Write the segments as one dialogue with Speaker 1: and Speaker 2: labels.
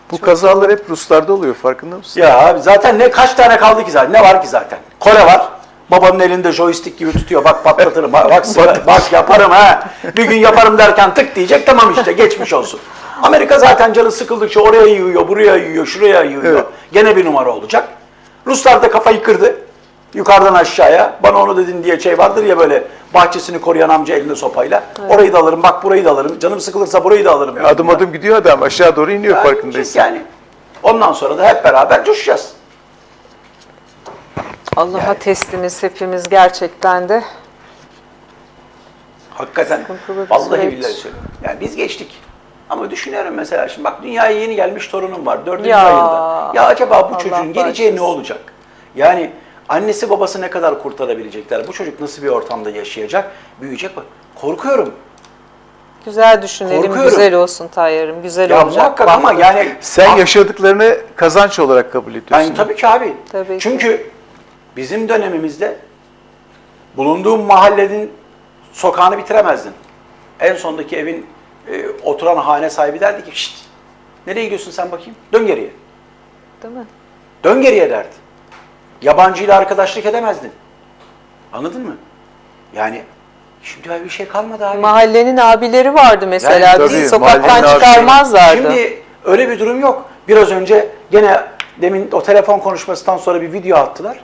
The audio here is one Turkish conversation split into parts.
Speaker 1: Bu kazalar hep Ruslarda oluyor, farkında mısın?
Speaker 2: Ya abi zaten kaç tane kaldı ki zaten? Ne var ki zaten? Kore var. Babanın elinde joystick gibi tutuyor. Bak patlatırım. Bak yaparım ha. Bir gün yaparım derken tık diyecek. Tamam işte geçmiş olsun. Amerika zaten canı sıkıldıkça oraya yiyor, buraya yiyor, şuraya yiyor.
Speaker 1: Evet.
Speaker 2: Gene bir numara olacak. Ruslar da kafayı kırdı. Yukarıdan aşağıya. Bana onu dedin diye şey vardır ya böyle bahçesini koruyan amca elinde sopayla. Evet. Orayı da alırım, bak burayı da alırım. Canım sıkılırsa burayı da alırım.
Speaker 1: Adım adım gidiyor adam. Aşağı doğru iniyor, yani farkındaysan.
Speaker 2: Yani ondan sonra da hep beraber coşacağız.
Speaker 3: Allah'a teslimiz hepimiz gerçekten de.
Speaker 2: Hakikaten vallahi billahi söylüyorum. Yani biz geçtik. Ama düşünüyorum mesela şimdi bak dünyaya yeni gelmiş torunum var 4. ayında. Ya acaba bu çocuğun geleceği ne olacak? Yani annesi babası ne kadar kurtarabilecekler? Bu çocuk nasıl bir ortamda yaşayacak? Büyüyecek bak. Korkuyorum.
Speaker 3: Güzel düşünelim, güzel olsun Tayyar'ım, güzel
Speaker 2: ya
Speaker 3: olacak.
Speaker 2: Muhakkak ama yani...
Speaker 1: Sen yaşadıklarını kazanç olarak kabul ediyorsun.
Speaker 2: Yani tabii ki abi.
Speaker 3: Tabii
Speaker 2: Çünkü
Speaker 3: ki.
Speaker 2: bizim dönemimizde bulunduğum mahallenin sokağını bitiremezdin. En sondaki evin oturan hane sahibi derdi ki şşt, nereye gidiyorsun sen bakayım? Dön geriye.
Speaker 3: Değil mi?
Speaker 2: Dön geriye derdi. Yabancıyla arkadaşlık edemezdin. Anladın mı? Yani şimdi öyle bir şey kalmadı abi.
Speaker 3: Mahallenin abileri vardı mesela.
Speaker 1: Yani tabii,
Speaker 3: bizi sokaktan
Speaker 1: mahallenin
Speaker 3: çıkarmazlardı.
Speaker 2: Şimdi öyle bir durum yok. Biraz önce gene demin o telefon konuşmasından sonra bir video attılar.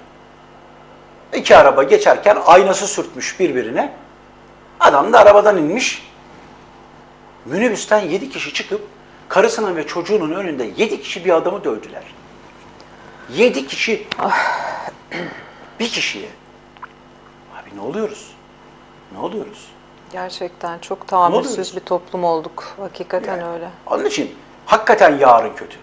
Speaker 2: 2 araba geçerken aynası sürtmüş birbirine. Adam da arabadan inmiş. Minibüsten 7 kişi çıkıp karısının ve çocuğunun önünde 7 kişi bir adamı dövdüler. 7 kişi. Bir kişiye. Abi ne oluyoruz? Ne oluyoruz?
Speaker 3: Gerçekten çok tahammülsüz bir toplum olduk. Hakikaten
Speaker 2: Yani,
Speaker 3: öyle.
Speaker 2: onun için hakikaten yarın kötü.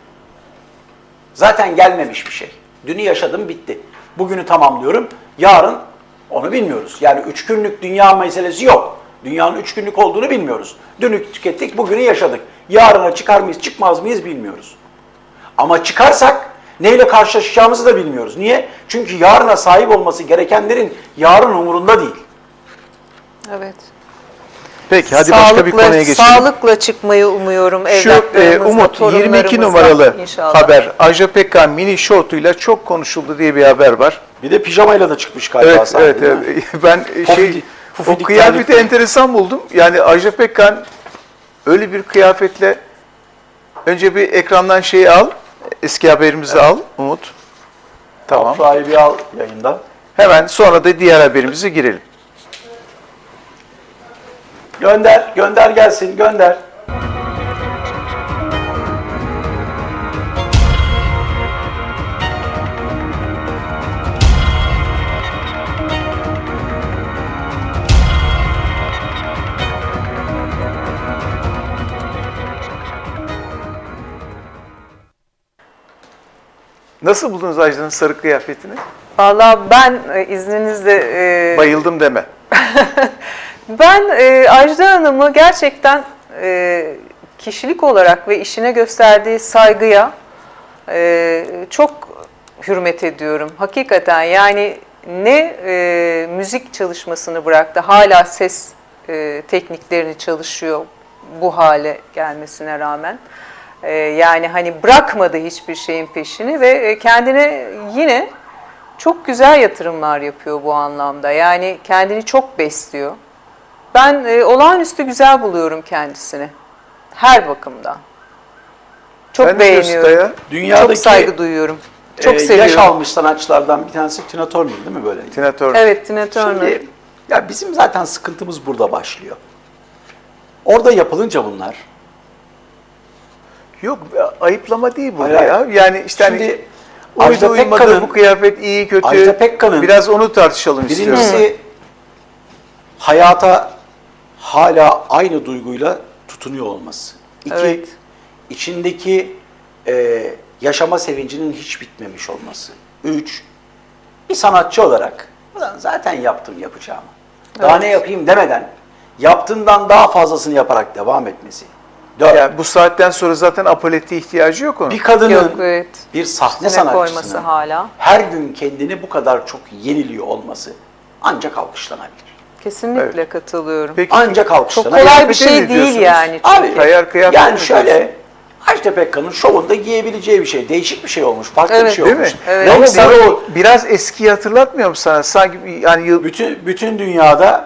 Speaker 2: Zaten gelmemiş bir şey. Dünü yaşadım bitti. Bugünü tamamlıyorum. Yarın onu bilmiyoruz. Yani 3 günlük dünya meselesi yok. Dünyanın 3 günlük olduğunu bilmiyoruz. Dünü tükettik, bugünü yaşadık. Yarına çıkar mıyız, çıkmaz mıyız bilmiyoruz. Ama çıkarsak neyle karşılaşacağımızı da bilmiyoruz. Niye? Çünkü yarına sahip olması gerekenlerin yarın umurunda değil.
Speaker 3: Evet.
Speaker 1: Peki hadi başka bir konuya geçelim.
Speaker 3: Sağlıkla çıkmayı umuyorum
Speaker 1: Şu
Speaker 3: evlatlarımızla,
Speaker 1: Umut 22 numaralı
Speaker 3: inşallah.
Speaker 1: haber. Ajda Pekkan mini şortuyla çok konuşuldu diye bir haber var.
Speaker 2: Bir de pijamayla da çıkmış galiba
Speaker 1: Evet,
Speaker 2: sahneye,
Speaker 1: evet,
Speaker 2: değil mi?
Speaker 1: evet. Ben o
Speaker 2: Pufidik
Speaker 1: kıyafeti
Speaker 2: terlikli.
Speaker 1: enteresan buldum. Yani Ajda Pekkan öyle bir kıyafetle önce bir ekrandan şeyi al, eski haberimizi al Umut. Tamam.
Speaker 2: Sahibi al yayından.
Speaker 1: Hemen sonra da diğer haberimize girelim.
Speaker 2: Gönder, gönder gelsin, gönder.
Speaker 1: Nasıl buldunuz Ajda'nın sarı kıyafetini?
Speaker 3: Vallahi ben izninizle...
Speaker 1: Bayıldım deme.
Speaker 3: Ben Ajda Hanım'ı gerçekten kişilik olarak ve işine gösterdiği saygıya çok hürmet ediyorum. Hakikaten yani ne müzik çalışmasını bıraktı, hala ses tekniklerini çalışıyor bu hale gelmesine rağmen. Yani hani bırakmadı hiçbir şeyin peşini ve kendine yine çok güzel yatırımlar yapıyor bu anlamda. Yani kendini çok besliyor. Ben olağanüstü güzel buluyorum kendisini. Her bakımdan. Çok
Speaker 1: Ben de
Speaker 3: beğeniyorum.
Speaker 1: Gösta'ya
Speaker 2: Dünyadaki
Speaker 3: çok saygı duyuyorum. Çok seviyorum.
Speaker 2: yaş almış sanatçılardan bir tanesi Tina Turner değil mi böyle?
Speaker 1: Tina Turner.
Speaker 3: Evet, Tina Turner.
Speaker 2: Şimdi, ya bizim zaten sıkıntımız burada başlıyor. Orada yapılınca bunlar.
Speaker 1: Yok, ayıplama değil bu
Speaker 2: Hayır,
Speaker 1: ya.
Speaker 2: hayır.
Speaker 1: Yani işte
Speaker 2: Şimdi
Speaker 1: hani
Speaker 2: Ajda
Speaker 1: uydu uymadı,
Speaker 2: Pekkan'ın-
Speaker 1: bu kıyafet iyi kötü.
Speaker 2: Ajda Pekkan'ın
Speaker 1: biraz onu tartışalım istiyorum.
Speaker 2: birincisi hayata hala aynı duyguyla tutunuyor olması. İki,
Speaker 3: Evet.
Speaker 2: içindeki yaşama sevincinin hiç bitmemiş olması. 3, bir sanatçı olarak "Ulan zaten yaptım yapacağımı. Daha
Speaker 3: Evet.
Speaker 2: ne yapayım demeden yaptığından daha fazlasını yaparak devam etmesi. 4,
Speaker 1: Yani bu saatten sonra zaten apolete ihtiyacı yok onun.
Speaker 2: bir kadının,
Speaker 3: Yok, evet.
Speaker 2: bir sahne
Speaker 3: Üstüne koyması
Speaker 2: sanatçısının
Speaker 3: hala.
Speaker 2: her gün kendini bu kadar çok yeniliyor olması ancak alkışlanabilir.
Speaker 3: Kesinlikle katılıyorum.
Speaker 1: Peki,
Speaker 2: Ancak
Speaker 3: Çok
Speaker 2: alkışlanabilir.
Speaker 3: kolay bir
Speaker 1: kıyafete
Speaker 3: şey
Speaker 1: ne
Speaker 3: değil
Speaker 1: diyorsunuz?
Speaker 3: yani.
Speaker 2: Abi,
Speaker 1: Kayar kıyafet
Speaker 2: yani
Speaker 1: mi
Speaker 2: şöyle,
Speaker 1: diyorsun?
Speaker 2: Ajda Pekkan'ın şovunda giyebileceği bir şey. Değişik bir şey olmuş. Farklı bir
Speaker 3: Evet,
Speaker 2: şey
Speaker 1: Değil
Speaker 2: olmuş.
Speaker 1: mi?
Speaker 3: Evet.
Speaker 1: Ama
Speaker 2: Renk sarı
Speaker 1: bu biraz eskiyi hatırlatmıyor mu sana? Sanki yani yıl...
Speaker 2: bütün dünyada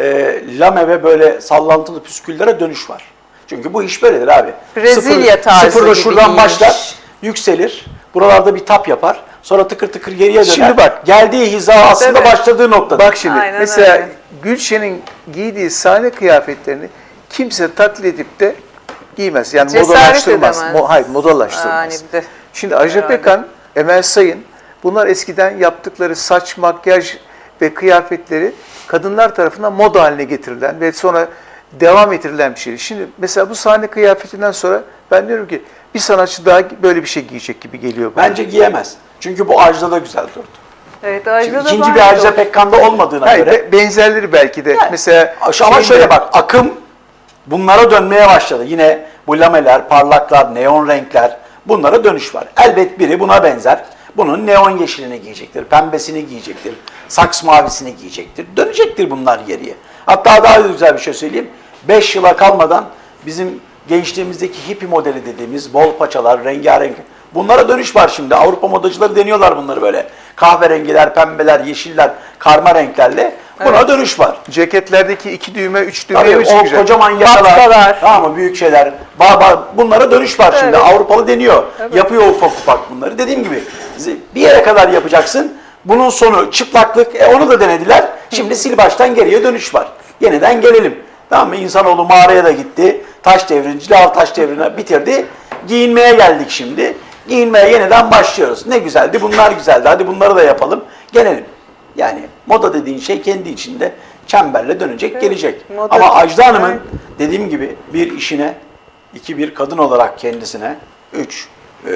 Speaker 2: lame ve böyle sallantılı püsküllere dönüş var. Çünkü bu iş böyledir abi.
Speaker 3: Brezilya tarzı
Speaker 2: Sıfırda
Speaker 3: gibi
Speaker 2: şuradan
Speaker 3: giyinmiş.
Speaker 2: başlar, yükselir. Buralarda bir tap yapar. Sonra tıkır tıkır geriye döner.
Speaker 1: Şimdi bak.
Speaker 2: Geldiği hiza aslında
Speaker 3: Evet.
Speaker 2: başladığı noktada.
Speaker 1: Bak şimdi
Speaker 3: Aynen
Speaker 1: mesela
Speaker 3: öyle.
Speaker 1: Gülşen'in giydiği sahne kıyafetlerini kimse taklit edip de giymez. Yani
Speaker 3: Cesaret
Speaker 1: modalaştırmaz.
Speaker 3: edemez.
Speaker 1: Hayır, modalaştırmaz.
Speaker 3: Yani bir de
Speaker 1: Şimdi Ajda
Speaker 3: herhalde.
Speaker 1: Pekkan, Emel Sayın bunlar eskiden yaptıkları saç, makyaj ve kıyafetleri kadınlar tarafından moda haline getirilen ve sonra devam ettirilen bir şey. Şimdi mesela bu sahne kıyafetinden sonra ben diyorum ki bir sanatçı daha böyle bir şey giyecek gibi geliyor bana.
Speaker 2: Bence giyemez. Çünkü bu Ajda'da güzel durdu.
Speaker 3: Evet,
Speaker 2: Şimdi
Speaker 3: Ajda'da
Speaker 2: ikinci
Speaker 3: var
Speaker 2: bir Ajda
Speaker 3: o.
Speaker 2: Pekkan'da olmadığına
Speaker 1: Hayır,
Speaker 2: göre.
Speaker 1: benzerleri belki de.
Speaker 2: Yani,
Speaker 1: Mesela
Speaker 2: ama
Speaker 1: şeyinde-
Speaker 2: şöyle bak, akım bunlara dönmeye başladı. Yine bu lameler, parlaklar, neon renkler, bunlara dönüş var. Elbet biri buna benzer. Bunun neon yeşilini giyecektir, pembesini giyecektir, saks mavisini giyecektir. Dönecektir bunlar geriye. Hatta daha güzel bir şey söyleyeyim. 5 yıla kalmadan bizim gençliğimizdeki hippie modeli dediğimiz bol paçalar, rengarenk, bunlara dönüş var şimdi. Avrupa modacıları deniyorlar bunları böyle. Kahverengiler, pembeler, yeşiller, karma renklerle buna
Speaker 3: Evet.
Speaker 2: dönüş var.
Speaker 1: ceketlerdeki 2 düğme, 3 düğmeye
Speaker 2: Tabii
Speaker 1: mi
Speaker 2: o
Speaker 1: çıkacak?
Speaker 2: kocaman yakalar,
Speaker 3: Batkalar.
Speaker 2: tamam mı, büyük şeyler, bunlara dönüş var şimdi.
Speaker 3: Evet.
Speaker 2: Avrupalı deniyor.
Speaker 3: Evet.
Speaker 2: Yapıyor ufak ufak bunları. Dediğim gibi bir yere kadar yapacaksın. Bunun sonu çıplaklık. Onu da denediler. Şimdi sil baştan geriye dönüş var. Yeniden gelelim. Tamam mı? İnsanoğlu mağaraya da gitti. Taş devrini, Lal taş devrini bitirdi. Giyinmeye geldik şimdi. Giyinmeye yeniden başlıyoruz. Ne güzeldi, bunlar güzeldi. Hadi bunları da yapalım. Gelelim. Yani moda dediğin şey kendi içinde çemberle dönecek, gelecek.
Speaker 3: moda-
Speaker 2: Ama Ajda Hanım'ın
Speaker 3: Evet.
Speaker 2: dediğim gibi bir işine, 2 bir kadın olarak kendisine, 3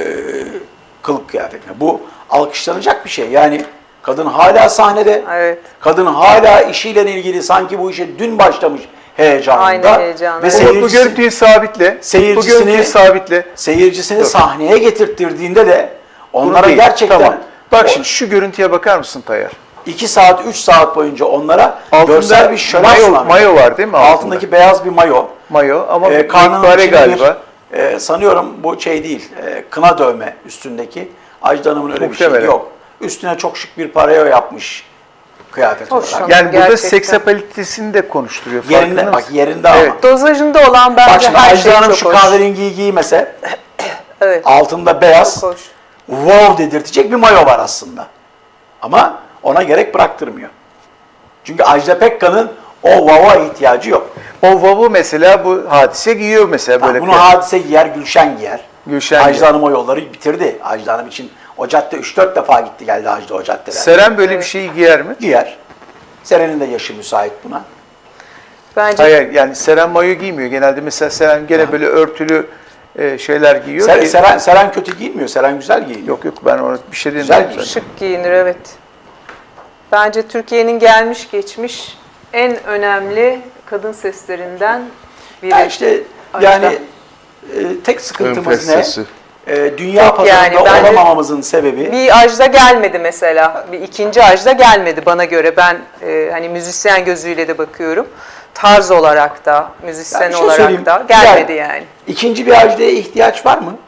Speaker 2: kılık kıyafetine. Bu alkışlanacak bir şey. Yani kadın hala sahnede.
Speaker 3: Evet.
Speaker 2: Kadın hala işiyle ilgili sanki bu işe dün başlamış heyecanında.
Speaker 3: Aynı heyecanla.
Speaker 2: Ve
Speaker 3: Evet.
Speaker 1: Bu görüntüyü sabitle. Bu
Speaker 2: seyircisini-
Speaker 1: görüntüyü sabitle.
Speaker 2: seyircisini
Speaker 1: Dur.
Speaker 2: sahneye getirttirdiğinde de
Speaker 1: Bunu
Speaker 2: onlara
Speaker 1: değil.
Speaker 2: gerçekten
Speaker 1: Tamam. Bak şimdi şu görüntüye bakar mısın Tayyar?
Speaker 2: 2 saat, 3 saat boyunca onlara
Speaker 1: Altında
Speaker 2: görsel bir şölen sunan.
Speaker 1: mayo var değil mi?
Speaker 2: Altındaki beyaz bir mayo.
Speaker 1: Mayo ama
Speaker 2: Karnının
Speaker 1: mübarek
Speaker 2: içinde
Speaker 1: galiba.
Speaker 2: sanıyorum bu şey değil, kına dövme üstündeki. Ajda Hanım'ın öyle bir
Speaker 1: Muhtemelen.
Speaker 2: şey yok. Üstüne çok şık bir pareo yapmış kıyafet
Speaker 3: Hoş
Speaker 2: olarak.
Speaker 3: ama.
Speaker 1: Yani burada
Speaker 3: Gerçekten.
Speaker 1: seksapalitesini de konuşturuyor.
Speaker 2: Yerinde,
Speaker 1: farkında
Speaker 2: bak
Speaker 1: mısın?
Speaker 2: yerinde
Speaker 1: Evet.
Speaker 2: ama.
Speaker 3: Dozajında olan bence
Speaker 2: Bak şimdi
Speaker 3: her
Speaker 2: Ajda
Speaker 3: şey
Speaker 2: Hanım
Speaker 3: çok
Speaker 2: şu
Speaker 3: hoş.
Speaker 2: kahverengiyi giymese,
Speaker 3: Evet.
Speaker 2: altında beyaz,
Speaker 3: Çok hoş.
Speaker 2: wow dedirtecek bir mayo var aslında. Ama ona gerek bıraktırmıyor. Çünkü Ajda Pekkan'ın o wow'a ihtiyacı yok.
Speaker 1: O vavu mesela bu hadise giyiyor mesela böyle.
Speaker 2: Bunu Hadise giyer, Gülşen giyer.
Speaker 1: Gülşen
Speaker 2: Ajda
Speaker 1: giyer.
Speaker 2: Hanım o yolları bitirdi. Ajda Hanım için o cadde 3-4 defa gitti geldi Ajda o caddeler.
Speaker 1: Seren böyle bir şeyi giyer mi?
Speaker 2: Giyer. Seren'in de yaşı müsait buna.
Speaker 3: Bence
Speaker 1: Hayır yani Seren mayo giymiyor. Genelde mesela Seren gene böyle örtülü şeyler giyiyor. ki-
Speaker 2: Seren kötü giymiyor. Seren güzel giyiniyor.
Speaker 1: Yok ben ona bir şey
Speaker 2: Güzel
Speaker 1: demiyorum.
Speaker 2: giyiyor.
Speaker 1: zaten.
Speaker 3: şık giyinir, evet. Bence Türkiye'nin gelmiş geçmiş en önemli kadın seslerinden biri.
Speaker 2: Ya işte
Speaker 3: Ajda.
Speaker 2: yani tek sıkıntımız ne?
Speaker 4: Enfes
Speaker 2: Dünya
Speaker 3: Yok
Speaker 2: pazarında
Speaker 3: yani, bence-
Speaker 2: olamamamızın sebebi
Speaker 3: Bir Ajda gelmedi mesela. Bir ikinci Ajda gelmedi bana göre. Ben hani müzisyen gözüyle de bakıyorum. Tarz olarak da, müzisyen
Speaker 2: Yani bir şey
Speaker 3: olarak
Speaker 2: söyleyeyim.
Speaker 3: da gelmedi yani.
Speaker 2: ikinci bir Ajda'ya ihtiyaç var mı?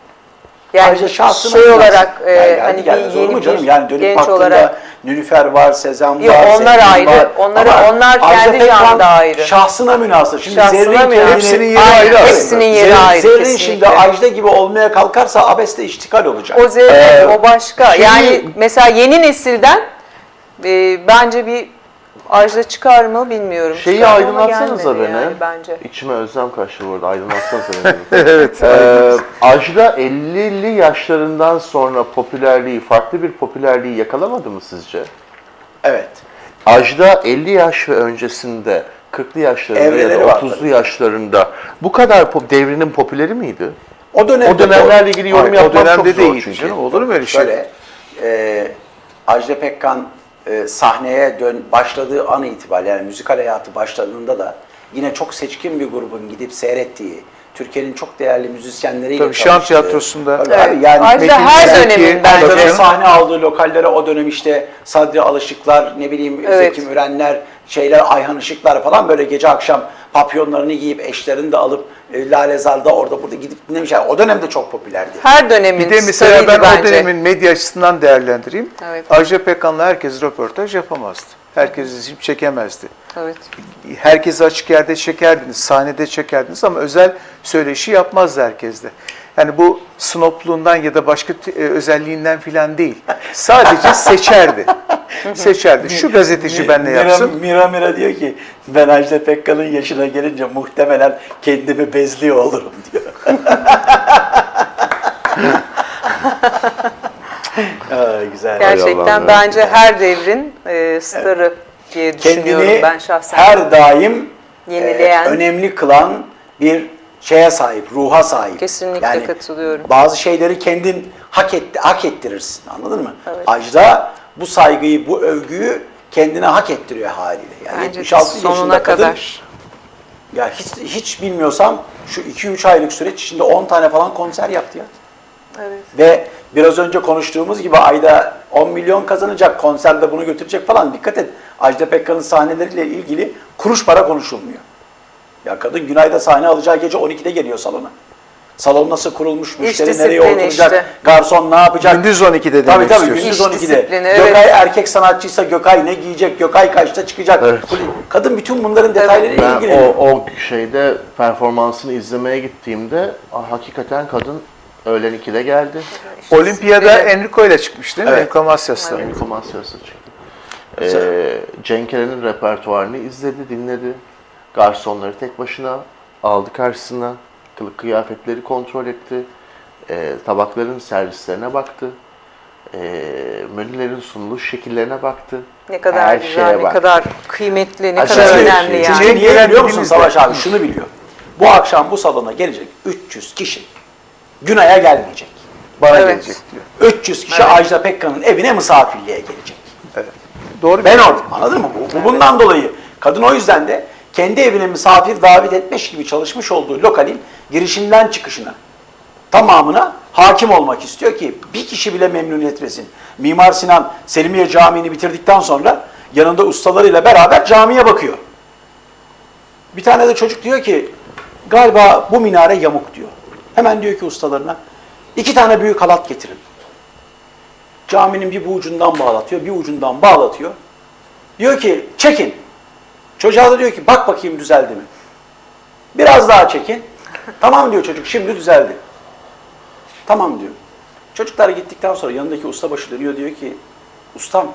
Speaker 3: Yani
Speaker 2: Ajda şahsına
Speaker 3: şey
Speaker 2: münasır.
Speaker 3: olarak
Speaker 2: Yani
Speaker 3: hani
Speaker 2: gelmez
Speaker 3: bir
Speaker 2: olur mu
Speaker 3: yeni
Speaker 2: canım?
Speaker 3: bir
Speaker 2: Yani dönüp
Speaker 3: genç
Speaker 2: baktığında
Speaker 3: olarak
Speaker 2: Nilüfer var, Sezen
Speaker 3: Yok,
Speaker 2: var,
Speaker 3: onlar
Speaker 2: Sezgin
Speaker 3: ayrı.
Speaker 2: var.
Speaker 3: Onları-
Speaker 2: Ama
Speaker 3: onlar
Speaker 2: Ajda
Speaker 3: kendi
Speaker 2: Pekkan
Speaker 3: canında ayrı.
Speaker 2: Şahsına münasır. Şimdi
Speaker 3: Şahsına
Speaker 2: Zerrin
Speaker 3: münasır.
Speaker 2: kendini-
Speaker 1: Hepsinin yeri
Speaker 3: Aynen,
Speaker 1: ayrı aslında.
Speaker 3: hepsinin yeri ayrı,
Speaker 2: Zerrin
Speaker 3: kesinlikle.
Speaker 2: şimdi Ajda gibi olmaya kalkarsa abesle iştikal olacak.
Speaker 3: o zevk, o başka.
Speaker 1: şeyi-
Speaker 3: Yani mesela yeni nesilden bence bir Ajda çıkar mı bilmiyorum.
Speaker 4: Şeyi
Speaker 3: Çıkar ama
Speaker 4: aydınlatsanıza
Speaker 3: gelmedi
Speaker 4: beni.
Speaker 3: yani bence.
Speaker 4: İçime özlem kaçtı bu arada. Aydınlatsanıza beni.
Speaker 1: Evet.
Speaker 4: Ajda 50'li yaşlarından sonra popülerliği, farklı bir popülerliği yakalamadı mı sizce?
Speaker 2: Evet.
Speaker 4: Ajda 50 yaş ve öncesinde, 40'lı yaşlarında
Speaker 2: Evreleri
Speaker 4: ya da
Speaker 2: var
Speaker 4: 30'lu yaşlarında bu kadar devrinin popüleri miydi?
Speaker 2: O dönemde
Speaker 4: O dönemlerle ilgili yorum
Speaker 1: Hayır, o
Speaker 4: yapmak çok
Speaker 1: dönemde
Speaker 4: zor
Speaker 1: değil
Speaker 4: çünkü.
Speaker 1: canım. Olur mu öyle şey?
Speaker 2: şöyle Ajda Pekkan sahneye başladığı an itibariyle yani müzikal hayatı başladığında da yine çok seçkin bir grubun gidip seyrettiği, Türkiye'nin çok değerli müzisyenleriyle
Speaker 1: Tabii, Şam
Speaker 2: tanıştığı.
Speaker 1: Tiyatrosu'nda.
Speaker 2: Tabii
Speaker 3: Evet.
Speaker 2: abi, yani
Speaker 3: Ajda
Speaker 2: Metin
Speaker 3: her
Speaker 2: Zeki,
Speaker 3: dönemin
Speaker 2: Ajda'nın
Speaker 3: bence.
Speaker 2: sahne aldığı lokallere o dönem işte Sadri Alışıklar, ne bileyim
Speaker 3: Evet.
Speaker 2: Zeki Mürenler, Ayhan Işıklar falan böyle gece akşam papyonlarını giyip eşlerini de alıp Lalezar'da orada burada gidip dinlemişler. O dönemde çok popülerdi.
Speaker 3: Her dönemin
Speaker 1: Bir de mesela
Speaker 3: starıydı
Speaker 1: ben
Speaker 3: bence.
Speaker 1: o dönemin medya açısından değerlendireyim.
Speaker 3: Evet.
Speaker 1: Ajda Pekkan'la herkes röportaj yapamazdı. Herkes izleyip çekemezdi.
Speaker 3: Evet.
Speaker 1: Herkesi açık yerde çekerdiniz, sahnede çekerdiniz ama özel söyleşi yapmazdı herkes de. Yani bu snopluğundan ya da başka özelliğinden filan değil. Sadece seçerdi. Seçerdi. Şu gazeteci benle yapsın.
Speaker 2: Mira diyor ki ben Ajda Pekkan'ın yaşına gelince muhtemelen kendimi bezliyor olurum diyor. Güzel.
Speaker 3: Gerçekten
Speaker 4: Allah'ım,
Speaker 3: bence her devrin starı diye düşünüyorum
Speaker 2: Kendini
Speaker 3: ben şahsen.
Speaker 2: her daim
Speaker 3: Yenileyen.
Speaker 2: önemli kılan bir şeye sahip, ruha sahip.
Speaker 3: Kesinlikle katılıyorum.
Speaker 2: Bazı şeyleri kendin hak ettirirsin. Anladın mı?
Speaker 3: Evet.
Speaker 2: Ajda bu saygıyı, bu övgüyü kendine hak ettiriyor haliyle. Yani
Speaker 3: Bence
Speaker 2: 76
Speaker 3: sonuna
Speaker 2: yaşında kadın,
Speaker 3: kadar.
Speaker 2: ya hiç bilmiyorsam şu 2-3 aylık süreç içinde 10 tane falan konser yaptı ya.
Speaker 3: Evet.
Speaker 2: Ve biraz önce konuştuğumuz gibi ayda 10 milyon kazanacak, konserde bunu götürecek falan. Dikkat et, Ajda Pekkan'ın sahneleriyle ilgili kuruş para konuşulmuyor. Ya kadın Günay'da sahne alacağı gece 12'de geliyor salona. Salon nasıl kurulmuş, müşteri nereye
Speaker 3: disiplini
Speaker 2: oturacak,
Speaker 3: işte.
Speaker 2: garson ne yapacak?
Speaker 1: Gündüz 12'de
Speaker 2: Tabii
Speaker 1: demek
Speaker 2: tabii
Speaker 1: istiyorsun.
Speaker 2: gündüz
Speaker 3: İş
Speaker 2: 12'de.
Speaker 3: disiplini, evet.
Speaker 2: Gökay erkek sanatçıysa Gökay ne giyecek, Gökay kaçta çıkacak?
Speaker 4: Evet.
Speaker 2: Kadın bütün bunların detaylarıyla
Speaker 4: Ben
Speaker 2: ilgileniyor.
Speaker 4: o şeyde performansını izlemeye gittiğimde hakikaten kadın öğlen 2'de geldi.
Speaker 1: Olimpiyada
Speaker 3: Evet.
Speaker 1: Enrico ile çıkmış değil mi?
Speaker 2: Evet.
Speaker 1: Enrico Macias'la.
Speaker 4: Enrico Macias'la çıktı. Cenk Eren'in repertuarını izledi, dinledi. Garsonları tek başına aldı karşısına. Kılık kıyafetleri kontrol etti. Tabakların servislerine baktı. Menülerin sunuluş şekillerine baktı.
Speaker 3: Ne kadar
Speaker 4: Her
Speaker 3: güzel,
Speaker 4: şeye
Speaker 3: ne
Speaker 4: bak.
Speaker 3: kadar kıymetli, ne
Speaker 4: Aşağı
Speaker 3: kadar
Speaker 4: yukarı.
Speaker 3: önemli
Speaker 4: Çünkü
Speaker 3: yani.
Speaker 2: Çünkü niye biliyor musun
Speaker 1: Elimizde.
Speaker 2: Savaş abi? Şunu biliyor. Bu akşam bu salona gelecek 300 kişi Günay'a gelmeyecek.
Speaker 1: Bana
Speaker 3: Evet.
Speaker 1: gelecek diyor.
Speaker 2: 300 kişi Ajda Pekkan'ın evine misafirliğe gelecek.
Speaker 1: Evet. Doğru.
Speaker 2: Ben orada. Anladın mı? Bu bundan dolayı. Kadın o yüzden de kendi evine misafir davet etmiş gibi çalışmış olduğu lokalin girişinden çıkışına tamamına hakim olmak istiyor ki bir kişi bile memnun etmesin. Mimar Sinan Selimiye Camii'ni bitirdikten sonra yanında ustalarıyla beraber camiye bakıyor. Bir tane de çocuk diyor ki galiba bu minare yamuk diyor. Hemen diyor ki ustalarına 2 tane büyük halat getirin. Caminin bir bu ucundan bağlatıyor, bir ucundan bağlatıyor. Diyor ki çekin. Çocuğa da diyor ki bak bakayım düzeldi mi? Biraz daha çekin. Tamam diyor çocuk, şimdi düzeldi. Tamam diyor. Çocuklar gittikten sonra yanındaki ustabaşı dönüyor, diyor ki ustam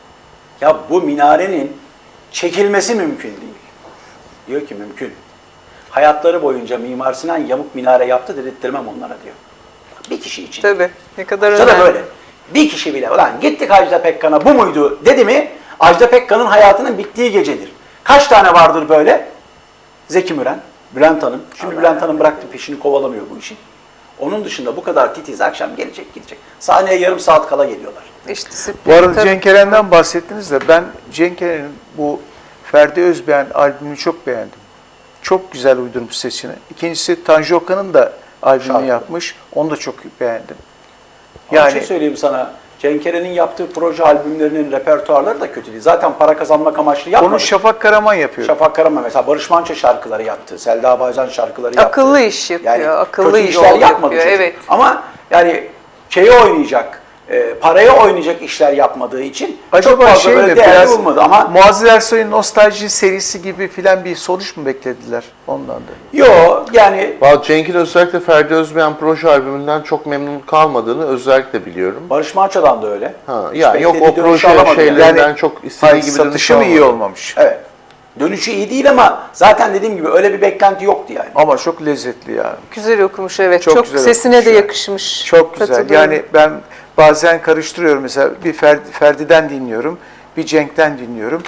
Speaker 2: ya bu minarenin çekilmesi mümkün değil. Diyor ki mümkün. Hayatları boyunca Mimar Sinan yamuk minare yaptı dedirttirmem onlara diyor. Bir kişi için.
Speaker 3: Tabii, ne kadar
Speaker 2: İşte da
Speaker 3: önemli.
Speaker 2: böyle. Bir kişi bile ulan gittik Ajda Pekkan'a bu muydu dedi mi Ajda Pekkan'ın hayatının bittiği gecedir. Kaç tane vardır böyle? Zeki Müren, Bülent Hanım. Şimdi Bülent Hanım bıraktı, peşini kovalamıyor bu işin. Onun dışında bu kadar titiz, akşam gelecek gidecek. Sahneye yarım saat kala geliyorlar.
Speaker 3: İş
Speaker 1: Bu
Speaker 3: disiplini.
Speaker 1: arada
Speaker 3: tabii.
Speaker 1: Cenk Eren'den bahsettiniz de ben Cenk Eren'in bu Ferdi Özbeğen albümünü çok beğendim. Çok güzel uydurmuş sesini. İkincisi Tanju Okan'ın da albümünü
Speaker 2: Şarkı.
Speaker 1: yapmış. Onu da çok beğendim.
Speaker 2: Yani,
Speaker 1: Yani
Speaker 2: şey söyleyeyim sana, Cenk Eren'in yaptığı proje albümlerinin repertuarları da kötü değil. Zaten para kazanmak amaçlı yapmadı.
Speaker 1: onu Şafak Karaman yapıyor.
Speaker 2: Şafak Karaman mesela Barış Manço şarkıları yaptı. Selda Bağcan şarkıları yaptı.
Speaker 3: Akıllı iş yapıyor, akıllı
Speaker 2: kötü
Speaker 3: iş
Speaker 2: işler
Speaker 3: yol
Speaker 2: yapmadı
Speaker 3: yapıyor,
Speaker 2: çocuk.
Speaker 3: evet.
Speaker 2: Ama yani şeyi oynayacak, paraya oynayacak işler yapmadığı için çok
Speaker 1: Acaba
Speaker 2: fazla
Speaker 1: şey
Speaker 2: böyle
Speaker 1: mi
Speaker 2: değerli
Speaker 1: biraz
Speaker 2: olmadı ama
Speaker 1: Muazzez Ersoy'un Nostalji serisi gibi filan bir sonuç mu beklediler ondan da?
Speaker 2: yo yani
Speaker 4: Vallahi Cenk'in özellikle Ferdi Özbeğen proje albümünden çok memnun kalmadığını özellikle biliyorum.
Speaker 2: Barış Manço'dan da öyle.
Speaker 4: Ha,
Speaker 2: Hiç
Speaker 4: ya yok o
Speaker 2: beklediği dönüşü
Speaker 4: proje
Speaker 2: alamadı yani.
Speaker 4: şeylerinden çok istediği
Speaker 1: Hayır,
Speaker 4: gibi dönüş
Speaker 1: satışı mı iyi
Speaker 4: almadı.
Speaker 1: olmamış?
Speaker 2: Evet. Dönüşü iyi değil ama zaten dediğim gibi öyle bir beklenti yoktu yani.
Speaker 1: Ama çok lezzetli ya.
Speaker 3: Güzel okumuş, evet.
Speaker 1: Çok
Speaker 3: Çok,
Speaker 1: güzel
Speaker 3: sesine
Speaker 1: okumuş
Speaker 3: de
Speaker 1: yani.
Speaker 3: yakışmış.
Speaker 1: Çok güzel.
Speaker 3: Katılıyorum.
Speaker 1: Yani ben bazen karıştırıyorum mesela bir Ferdi'den dinliyorum, bir Cenk'ten dinliyorum.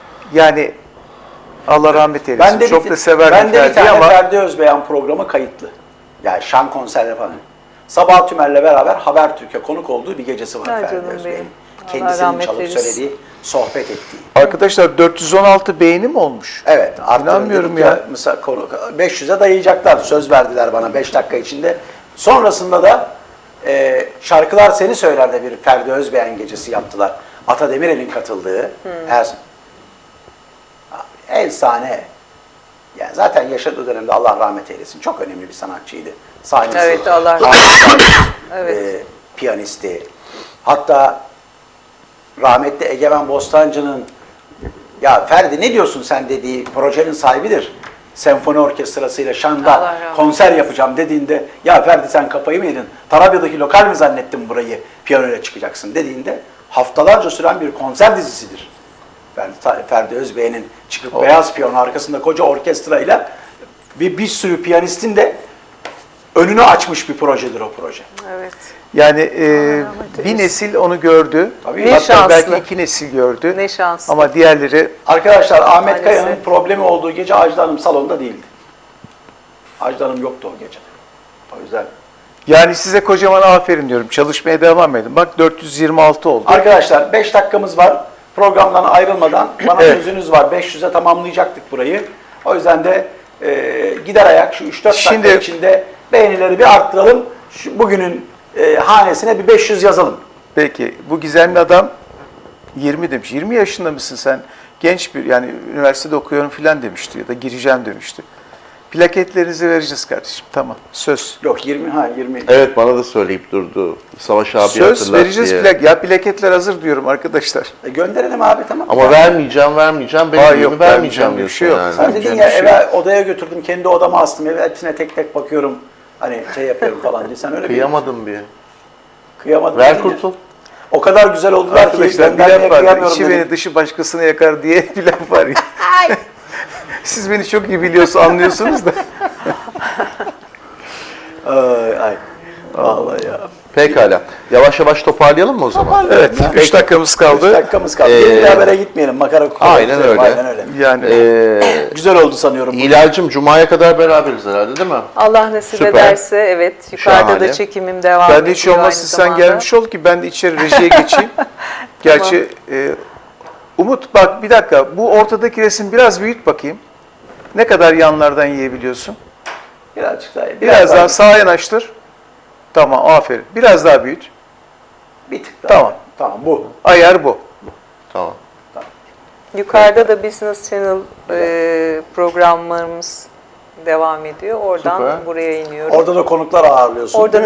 Speaker 1: Yani Allah rahmet eylesin. Çok da severdim
Speaker 2: ben de bir
Speaker 1: Ferdi'yi
Speaker 2: tane
Speaker 1: ama
Speaker 2: Ferdi Özbeğen programı kayıtlı. Yani şan konserleri falan. Sabah Tümer'le beraber Habertürk'e konuk olduğu bir gecesi var
Speaker 3: Ay
Speaker 2: Ferdi
Speaker 3: canım
Speaker 2: Özbeğen'in.
Speaker 3: benim. Allah
Speaker 2: Kendisinin
Speaker 3: rahmet
Speaker 2: çalıp
Speaker 3: eylesin.
Speaker 2: söylediği, sohbet ettiği.
Speaker 1: arkadaşlar 416 beğeni mi olmuş?
Speaker 2: Evet.
Speaker 1: İnanmıyorum
Speaker 2: dedik
Speaker 1: ya.
Speaker 2: Mesela 500'e dayayacaklar. Söz verdiler bana 5 dakika içinde. Sonrasında da Şarkılar Seni Söyler'de bir Ferdi Özbeğen gecesi yaptılar. Ata Demirel'in katıldığı. Efsane. Yani zaten yaşadığı dönemde Allah rahmet eylesin. Çok önemli bir sanatçıydı. Sahnesi,
Speaker 3: Evet, Allah rahmet
Speaker 2: harika,
Speaker 3: Evet.
Speaker 2: piyanisti. Hatta rahmetli Egemen Bostancı'nın ya Ferdi ne diyorsun sen dediği projenin sahibidir. Senfoni orkestrasıyla
Speaker 3: Allah
Speaker 2: Şan'da
Speaker 3: rahmet
Speaker 2: konser yapacağım dediğinde ya Ferdi sen kafayı mı yedin? Tarabya'daki lokal mi zannettin burayı piyanoyla çıkacaksın dediğinde haftalarca süren bir konser dizisidir. Ferdi Özbey'in çıkıp beyaz piyano arkasında koca orkestrayla bir sürü piyanistin de önünü açmış bir projedir o proje.
Speaker 3: Evet.
Speaker 1: Yani
Speaker 3: rahmet
Speaker 1: bir
Speaker 3: eylesin.
Speaker 1: nesil onu gördü.
Speaker 2: Tabii.
Speaker 3: Ne
Speaker 1: Hatta
Speaker 3: şanslı.
Speaker 1: belki iki nesil gördü.
Speaker 3: Ne şanslı.
Speaker 1: Ama diğerleri
Speaker 2: Arkadaşlar Ahmet
Speaker 3: Maalesef.
Speaker 2: Kaya'nın problemi olduğu gece Ajda Hanım salonda değildi. Ajda Hanım yoktu o gece. O yüzden.
Speaker 1: yani size kocaman aferin diyorum. Çalışmaya devam edin. Bak 426 oldu.
Speaker 2: Arkadaşlar 5 dakikamız var. Programdan ayrılmadan bana
Speaker 1: Evet.
Speaker 2: sözünüz var. 500'e tamamlayacaktık burayı. O yüzden de gider ayak şu 3-4 dakika
Speaker 1: Şimdi-
Speaker 2: içinde beğenileri bir arttıralım. Bugünün hanesine bir 500 yazalım.
Speaker 1: Peki bu gizemli adam 20 demiş. 20 yaşında mısın sen? Genç bir yani üniversitede okuyorum filan demişti ya da gireceğim demişti. Plaketlerinizi vereceğiz kardeşim. Tamam. Söz.
Speaker 2: Yok 20.
Speaker 4: Evet, bana da söyleyip durdu. Savaş abi
Speaker 1: Söz
Speaker 4: hatırlat
Speaker 1: vereceğiz
Speaker 4: diye.
Speaker 1: Ya plaketler hazır diyorum arkadaşlar.
Speaker 2: Gönderelim abi tamam.
Speaker 4: Ama vermeyeceğim, benim
Speaker 1: Hayır,
Speaker 4: gibi
Speaker 1: yok,
Speaker 4: vermeyeceğim
Speaker 1: bir şey
Speaker 4: diyorsun
Speaker 1: yok.
Speaker 4: yani.
Speaker 2: Sen dedin
Speaker 1: Vereceğim
Speaker 2: ya
Speaker 1: bir şey
Speaker 2: eve odaya götürdüm, kendi odama astım, eve hepsine tek tek bakıyorum. Hani şey yapıyorum falan diye. Sen öyle
Speaker 4: Kıyamadım bir.
Speaker 2: kıyamadın.
Speaker 4: Ver
Speaker 2: dedin ya.
Speaker 4: kurtul.
Speaker 2: O kadar güzel oldular ki
Speaker 1: Arkadaşlar bir
Speaker 2: göndermeye
Speaker 1: laf var.
Speaker 2: kıyamıyorum
Speaker 1: İçi
Speaker 2: dedim.
Speaker 1: beni dışı başkasını yakar diye bir laf var ya. Siz beni çok iyi biliyorsunuz, anlıyorsunuz da.
Speaker 2: Ay. Vallahi ya.
Speaker 4: Pekala. Yavaş yavaş toparlayalım mı o zaman?
Speaker 1: Evet, 3 dakikamız
Speaker 2: 3
Speaker 1: kaldı.
Speaker 2: dakikamız kaldı. Bir habere gitmeyelim. Makara kukarak
Speaker 4: Aynen
Speaker 2: güzel,
Speaker 4: öyle.
Speaker 2: Aynen öyle.
Speaker 1: Yani
Speaker 2: Güzel oldu sanıyorum.
Speaker 4: İlhal'cim Cuma'ya kadar beraberiz herhalde değil mi?
Speaker 3: Allah nasip
Speaker 4: Süper.
Speaker 3: ederse evet. Yukarıda
Speaker 4: Şahane.
Speaker 3: da çekimim devam
Speaker 1: ben
Speaker 3: ediyor
Speaker 1: de hiç olmazsa
Speaker 3: aynı
Speaker 1: sen
Speaker 3: zamanda.
Speaker 1: gelmiş ol ki ben de içeri rejiye geçeyim. Gerçi Umut bak bir dakika bu ortadaki resim biraz büyüt bakayım. Ne kadar yanlardan yiyebiliyorsun?
Speaker 2: Birazcık daha.
Speaker 1: Biraz daha sağa yanaştır. Tamam aferin. Biraz daha büyüt.
Speaker 2: Bir tık daha.
Speaker 1: Tamam.
Speaker 2: Tamam bu.
Speaker 1: Ayar bu.
Speaker 4: Tamam.
Speaker 3: Yukarıda da Business Channel programlarımız devam ediyor. Oradan
Speaker 4: Süper.
Speaker 3: buraya iniyorum.
Speaker 2: Orada da konuklar ağırlıyorsun.
Speaker 3: Orada